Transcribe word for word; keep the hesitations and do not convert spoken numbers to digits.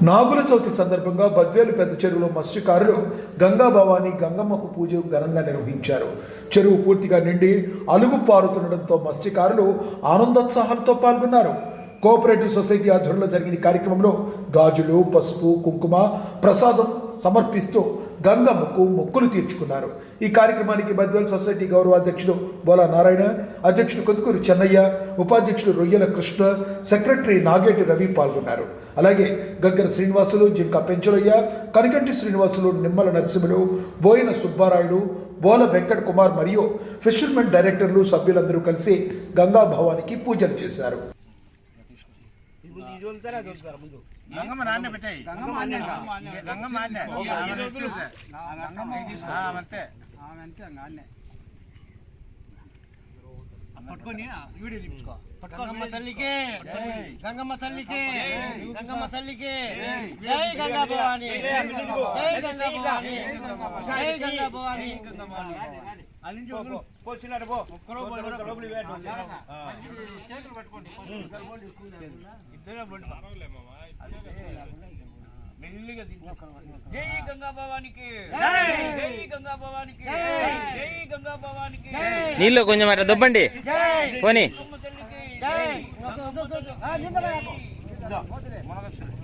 నాగుల చవితి సందర్భంగా బద్వేలు పెద్ద చెరువులో మత్స్యకారులు గంగా భవాని గంగమ్మకు పూజ ఘనంగా నిర్వహించారు. చెరువు పూర్తిగా నిండి అలుగు పారుతుండటంతో మత్స్యకారులు ఆనందోత్సాహాలతో పాల్గొన్నారు. కోఆపరేటివ్ సొసైటీ ఆధ్వర్యంలో జరిగిన కార్యక్రమంలో గాజులు, పసుపు, కుంకుమ ప్రసాదం సమర్పిస్తూ గంగమ్మకు మొక్కులు తీర్చుకున్నారు. ఈ కార్యక్రమానికి బద్వేల్ సొసైటీ గౌరవ అధ్యక్షుడు బోలా నారాయణ, అధ్యక్షుడు కొద్దుకూరు చెన్నయ్య, ఉపాధ్యక్షుడు రొయ్యల కృష్ణ, సెక్రటరీ నాగేటి రవి పాల్గొన్నారు. అలాగే గగ్గర శ్రీనివాసులు, జింక పెంచలయ్య, కనికంటి శ్రీనివాసులు, నిమ్మల నరసింహులు, బోయిన సుబ్బారాయుడు, బోల వెంకట్ కుమార్ మరియు ఫిషర్మెన్ డైరెక్టర్లు సభ్యులందరూ కలిసి గంగా భవానికి పూజలు చేశారు. గంగమ్మ నాన్న పెట్టాయి గంగమ్మ గంగమ్మ అంతే పట్టుకొని వీడియో తీసుకో. గంగమ్మ తల్లికి గంగమ్మ తల్లికి గంగమ్మ తల్లికి జై గంగా భవాని, జై గంగా భవాని, జై గంగా భవాని. జై గంగా భవానికి, జై గంగా భవానికి, జై గంగా భవానికి. నీళ్ళు కొంచెం అట్లా దొబ్బండి పోనీ. జై